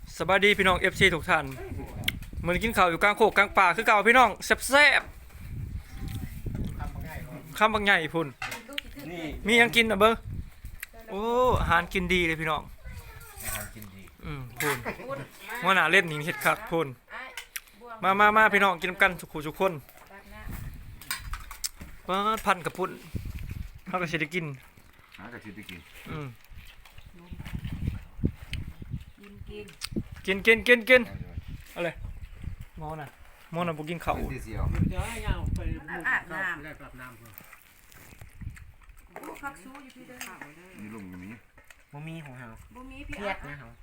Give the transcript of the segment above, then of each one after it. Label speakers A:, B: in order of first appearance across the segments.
A: สบายดีพี่น้อง FC ทุกท่านมื้อนี้กินข้าวอยู่กลางโคกกลางป่าคือเก่าพี่น้องแซ่บๆคำบางใหญ่พุ่นมีหยังกินน่ะเบิ่งโอ้อาหารกินดีเลยพี่น้อง
B: อาหารกินดี
A: พุ่นหัวหน้าเล่นนี่เฮ็ดคักพุ่นมาพี่น้องกินกันทุกคนพันกับพุ่นเฮาก็สิได้กิน
B: หากระชิบไปกิน
A: กินอะไรมอน่ะบ่กินข้าว
B: ที่เสียว
C: เดี๋ยวให้ยาวไปอาบน้ำได้ปรับน้ำเพิ่ม
D: คักสู้อยู่พี่เด้อ
B: นี่ลุงอยู่นี่
C: บ่มีของเฮา
D: บ่มีพี่
C: เครียดนะเฮา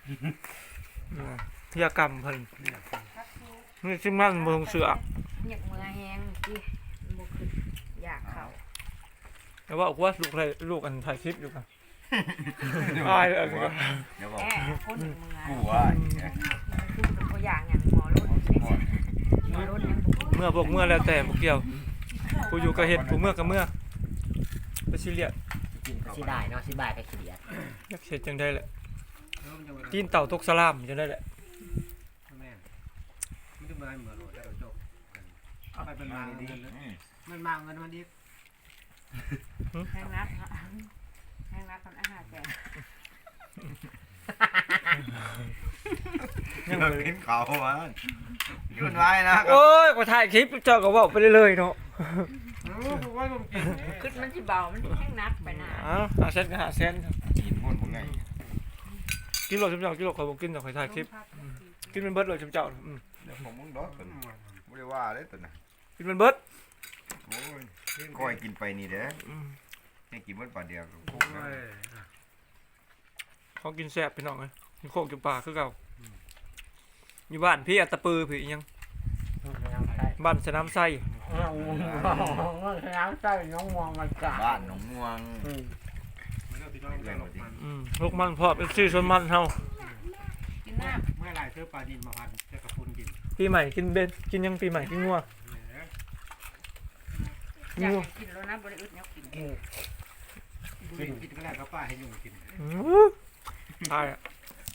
A: เที่ยกรรมเพิ่นนี่สิมันบ่ต้องเสือ
D: อยากมือแห้งพี่บ่ขึ้นอยากเข้า
A: แต่ว่าว่าลูกอันถ่ายคลิปอยู่กันอายเลย
B: เดี๋ยวบอก
D: คนมือ
B: กูว่า
D: คือเป็นตัวอย่างอย่างหมอรถหมอรถยังบ่
A: เมื่อแล้วแต่บ่เกี่ยวผู้อยู่ก็เฮ็ดผู้เมื่อก็เมื่อไปซีเรียส
C: กินสิได้เนาะสิบ่ายก็ขี้เดียด
A: อยากเฮ็ดจังได๋แหละตีนเต่าตกสลามจังได๋แหละ
C: แม่ไม่ได้มาเหมือนรถแล้วจบไปเป็นมาดีมันมาเงินมันดี
D: แห้งนักแห้งนักคนอาหารแก่
B: ยังกินข้าวมันยุ่นไว้นะ
A: โอ้ยก็ถ่ายคลิปเจ้าก็เว้าไปเรื่อยๆเนาะ
D: ขึ้นมันสิเบามันแห้งนักไปหน้า
A: 5เซนก็5เซน
B: กินหมดผมไง
A: กินโลจำเจ้ากิโลข่อยบ่กินดอกข่อยถ่ายคลิปกินมันเบิดเลยจำเจ้า
B: เดี๋ยวผมมึงดอกตัวไม่ได้ว่าเลยตัวน่ะ
A: กินมันเบิด
B: โอ้ยคอยกินไปนี่เด้อให้กินมันป่าเดียวคุกนะ
A: ของกินแซ่บพี่น้องเอ้ยกินโคกกินปลาคือเก่าอยู่บ้านพี่อัตตปือพี่ยังบ้านสนามไส้
C: น้ำใส่น้องมองมันกะ
B: บ้านหนองม่วง
A: ลูกมันพอเป็นชื่อชนมันเฮา
D: กินน้
C: เมื่อไรซื้อปลาดินมาพันจะกระพุนกิน
A: ปีใหม่กินเบนกินยังปีใหม่กินงัว
D: ำอยากกินแล้วนะบ่ได้อึดแนวกิน
C: กินก็ได้ก็ป้าให้ยุ่งกิน
A: ตายอ่ะ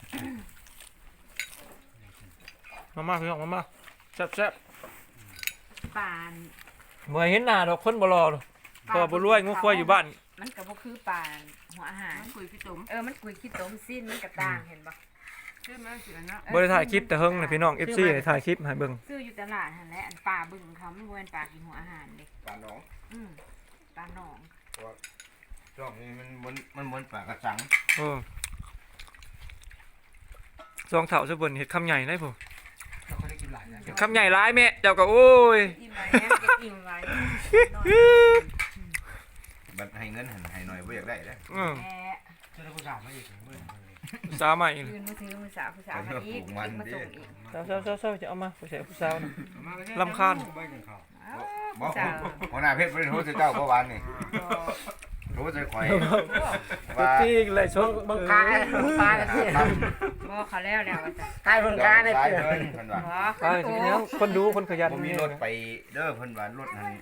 A: มาพี่น้องมาแซ่บ
D: ปาน
A: เมื่อเห็นหน้าดอกคนบ่รอพอบ่รวยงูควายอยู่บ้าน
D: มันก็บ่คือปานหัวอาหารมันกุยขี้ต้มมันกุยขี้ต้มสิ้นมันก็ต่างเห็นบ่คือมันสิอันเนาะ
A: บ่ได้ถ่ายคลิปแต่เฮิงนะพี่น้อง FC ได้ถ่ายคลิปให้เบิ่ง
D: ซื้ออยู่ตลาดหั่นแหละอันปลาบึ้งเขามันบ่แม่นปลากินหัวอาหารเด้
B: ปลาหนอง
D: ปลาหนอง
B: ช่วงนี้มันเหมือนปลากระสัง
A: ซองเฒ่าซะเบิ่นเฮ็ดคำใหญ่ได้พุ่น
C: เราก็ได้กินหลายนะ
A: คำใหญ่หลายแม่เจ้าก็โอ้ย
D: อิ่มไหมจะอิ่มไหม
B: บัดให้เงินให้หน่อยบ่อยากได้เด้อ
D: แหม
C: จะได้ผู้สาวมาอีกเมื่อ
A: สาวใหม่
D: ยืนมือถือมือสาวผู้สาวมาอีกมาส่งอีก
A: สาวจะเอามาผู้ชายผู้สาวนะ
C: บ่กินข้าว
B: บ่หัวหน้าเพชรบ่ได้โทรใส่เจ้าเมื่อวานนี่โทรใส่ข่อย
A: ตุ๊กตี้เลยชน
C: บังคับปลาสิ
D: บ่เขาแล้วว่าจะ
C: ใกล้บังคับได้
B: ได้
C: เตือ
B: เพิ่นเพิ่นว่า
A: ไปทีนี้คนดูคนขยัน
B: บ่มีรถไปเด้อเพิ่นว่ารถนั้น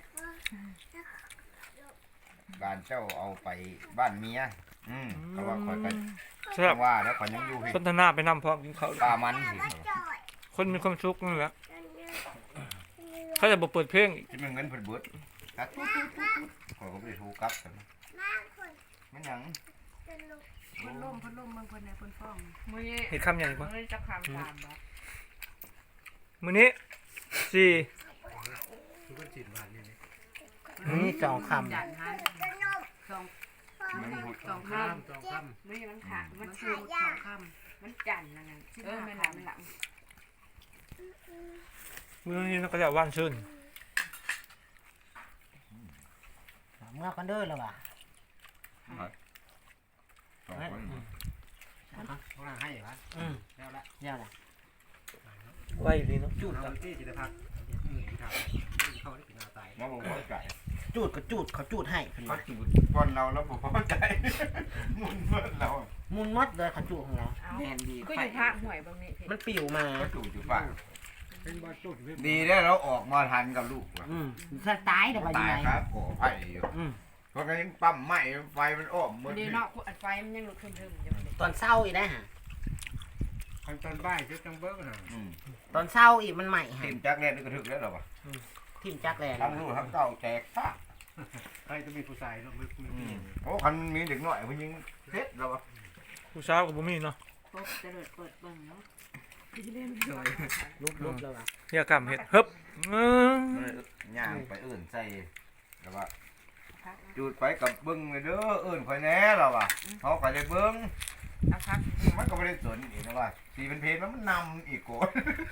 B: บ้านเจ้าเอาไปบ้านเมียเขาว่าข่อยก็
A: ใช่
B: ว่าแล้วข่อยยังอยู่พี่
A: สนทนาไปนำพร้อมกินข้าว
B: ปลามันสิ
A: คนมีความสุขนั่นแหละเขาจะบอกเปิดเพลง
B: สิมันเงินเพิ่นเบิดตัดข่อยก็บ่ได้โทรกลับกันมันหยัง
D: คนล่มเพิ่นในเพิ่นฟ้องมื้อนี้
A: เห็นคำใหญ่ปะ
D: มื้อนี้จะคำตามบ่
A: มื้อนี้สี่
C: คือว่าจีนบ้านนี่
A: นี่สองค
D: จันหันสอง
B: มันพูด
D: สองคำ
C: จองคำ
D: มื้อนี้มันขาดมันคือสองคำมันจันนั่นน่ะแม่นหลัง
A: ำมื้อนี้ก็จะว่านชื่น
C: เมื่อกันเด้อแล้วว่ะ
B: สองคน
C: พวกเราให้เหรอแล้วละแล้วละ
A: ไว้ดีเนาะ
C: จุดกับที่จิตพักเขาได้กินอาตาย
B: มาบ่พอใจ
C: จูดก็จูดเขาจูดให้เพิ่น
B: เขา
C: ว่า
B: จูดป้อนเราแล้วบ่พอใจหมุนเบิดเรา
C: มุนมดเลยเขาจูดของเราแม่นดี
D: ก็อยู่ภาคห่วยบางนี้
C: มันปิวมา
B: ก็จูดอยู่ปาก
C: เป็นบ่จูด
B: ดีได้เราออกมาทันกับลูกว่ะ
C: ถ้าตายเดี๋ยวไปยั
B: ตาง ย
C: ไง
B: ครับก่อไผ่อยู่เพราะงั้นยังปั๊มไหม้ไฟมันอ้อมหมด
D: เดี๋ยวเนาะอันไฟมันยังลุกขึ้นๆอยู่
C: ตอนเศร้าอีกได้ฮะคันตอนบ่ายจังเบิ้งน่ะ
E: ตอนเช้าอีกมันใหม่ฮะ
B: ทีมจักแน่นี่ก็ถึกแล้วหรอวะ
E: ทิมจักแลน
B: ทั้งลูกทั้งเต้าแจกซะ
C: ใครจะมีผู้ชายเนาะมือ
B: โอ้คันมีเด็กน้อยผู้หญิงเฮ็ดแล้ววะ
A: ผู้สาวก็บ่มีเนาะ
D: ปุ๊บเจะเลิดเปิดเบิ่งเนาะ
E: ลุกแล้วอ่ะ
A: เฮียกำเฮ็ดฮึบ
B: ย่างไปอื่นใส่แล้วว่าจุดไปกับเบิ้งเลยเด้ออื่นคอยแน่แล้ววะเขาก็ได้เบิ้ง
D: เอาพัก
B: มันก็ไม่ได้สนอีกนะว่าสีเป็นเพลมันนำอีกโกน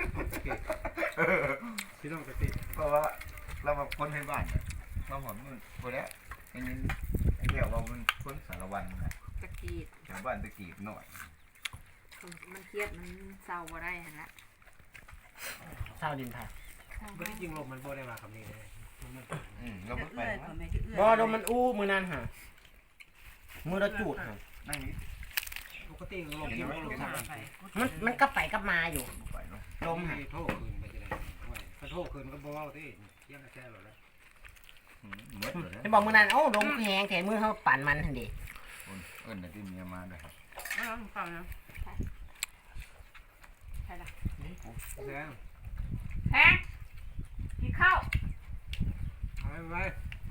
C: พี่น้องจะติด
B: เพราะว่าเราแบบคนให้บ้านเราหอนมันคนนี้ไอ้นี่ไอ้เดียวเรามันคนสารวันนะ
D: ตะกีด
B: ชาวบ้านตะกีบหน่อย
D: มันเครียดมันเศร้าบ่ได้หั่นละ
E: เช้าดินไทย
C: ไม่ได้ยิงลมมันโบได้มาคำนี้เลย
B: เราไม่ไป
E: บ่ดมมันอู้มือนั้นฮะมือละจูดฮะ
B: นั่งนี้
C: ปกติลมยิงลมสามไป
E: มันกลับไปกลับมาอยู่
B: ไปเนาะ
C: ลมให้โทษคืนไปจะได้ถ้าโทษคืนก็บ่เอาที่ยังแค่หรอแล้ว
B: หมดเลย
E: จะบอกมือนั้นโอ้ดมแหงแขนมือเขาปั่นมันทันดี
B: เอิ้นที่เมียมาเลยครับ
D: ไม่ต้องฟังนะใช่ละ
C: แซง
D: แพงกินข้าว
C: เอาไว้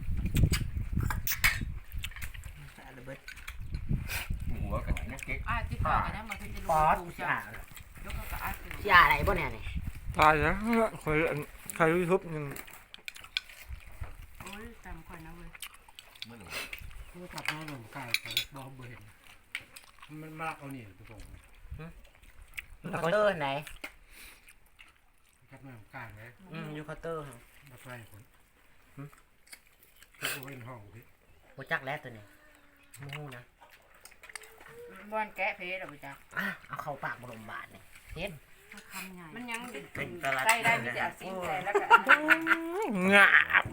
B: หัวกับนักเก๊ก
D: จิบข้าวกันนะมาคือจะ
E: ป
D: รู้
E: อด
D: ปู
E: สิ
D: จ้ะ
E: อ่ะ
D: ยกเข้ากับอาสิ
E: สิอ่ะอะไรบ่เนี่ยนี่
A: ตายแล้วคอยใครยูทูบยัง
D: โอ้ยจำคนนะเว้ย
B: ไม่รู้
C: กูกลับมาหนุ่มกายของบอมเบนมันมากเอานี่ทุกคน
E: เคาน์เตอร์ไหน
C: กลับมาหนุ่มกายไหม
E: อยู่เคาน์เตอร์ฮะ
C: มาไปคนทุกคนห้องพี่
E: บ่จักแล้วตัวนี้มูนะ
D: บอนแกะเพชรหรอจ๊ะ
E: เอาเข้าปากบ่ลมบาดนี่เฮ็ด
D: มันยังใส่ได้มีแต่สิ่งใส่แล้วก็
A: งาบ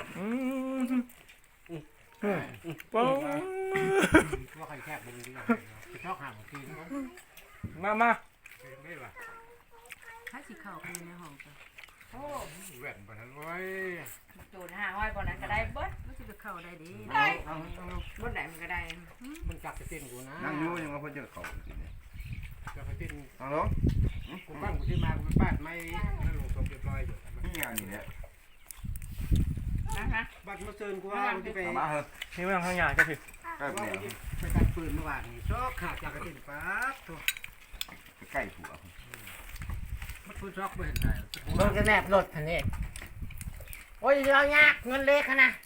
A: ป้อง
C: ว่าใครแคบมันดีกว่าชอบห่างของพี่
A: มา
C: ไม่หรอ
D: ถ้าสิเข้าไปในห้องจ้ะโอ้
C: แหวนไปทั้งร้อย
D: ตูน500บ่นั้นก็ได้เบิดมันสิไปเข้าได้ดีได้บ่ได้มันก็ได้
C: มันจับไปเต้นกูนะ
B: นั่งอยู่ยังว่าเพิ่นจะเข้ากินเนี่ย
C: จับไปเต้น
B: เอาลง
C: กูบ้านกูที่มากูบ้านไม่นั่นลงสมเรียบร้อยอยู่
B: นี่งานนี่เนี่ย
D: นะ
C: บ้านมาเชิญกูว่ากูจะไป
B: เอามาเถอะ
A: นี่เรื่องข้างหน้าก็คือ
B: ใกล้
C: ว่า
B: แล้
C: กู
B: ว
C: จะไปตัดปืนเมื่อวานนี้ชอกขาดจากกระตินปั๊บตัว
B: ใกล้ผัว
C: มันปืนชอกไม่เห็นได้
E: เบิ่งจะแนบรถทันนี้โอ้ยเอายากเงินเล็กขนาด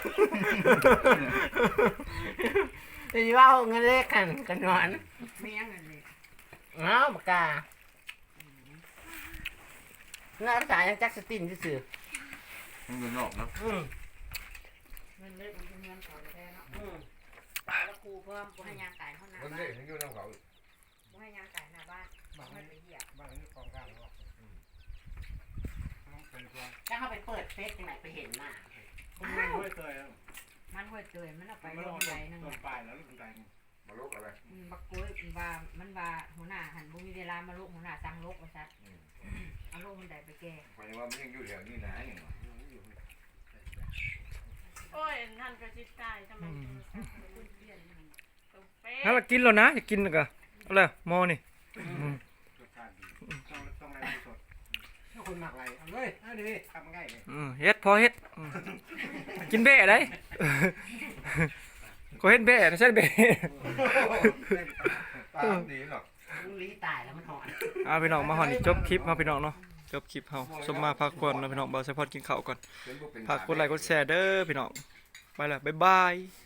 E: จะว่าเงินเล็กกันนอน
D: มียังไงเลย
E: เอาปากกาหน้าตายังจักสตินซื่อ
B: มันอยู่นอกเนาะ
D: เงินเล็กมันเป็นเงินเขาแท้เนาะแล้วครูเพิ่มบ่ให้ยางไก่เท่านั้น
B: มัน
D: บ่
B: เด็กมันอยู่นอกเขา
D: ให้ยางไก่หน้าบ้านไม่ไปเหยียบ
C: บ้านนี้กองกลางหรอกเป็นตัว
E: ๆจะเข้าไปเปิดเฟซยังไงไปเห็นหน้า
C: มันไม่ค่อยเคย
D: มันห้วยเตยมันเอาไปลงใจนึง
C: ต้นปลายแล้วต้นใจ
B: มาลุกอะไร
D: บักกุ้ยว่ามันว่าหัวหน้าหันบ่มีเวลามาลูกหัวหน้าสั่งลูกว่าซัดเอาลูกมันได้ไปแก้
B: เพราะว่ามันยังอยู่แถวนี้นะอย่างว่า
F: โอ้ยนั่นก็จิตใจทำไมเปลี่ยนตรงเป๊ะ
A: ถ้าเรากินแล้วนะอยากกินก็เอาเลยมอนี่
C: รสชาติดีต้องอะไรสดถ้าคนหมักอะไรเอาเลยเอาดิทำง่ายเลย
A: เฮ็ดพอเฮ็ดกินเบ้ได้ก็เฮ็ดเบ้นะใช่เบ้
B: ตามดีหรอก
E: ลีตายแล้วมันหอน
A: เอาพี่น้องมาหอนจบคลิปเฮาพี่น้องเนาะจบคลิปเฮาสมมาพักผ่อนเนาะพี่น้องบ่าวไซพอดกินข้าวก่อนฝากกดไลค์กดแชร์เด้อพี่น้องไปแล้วบ๊ายบาย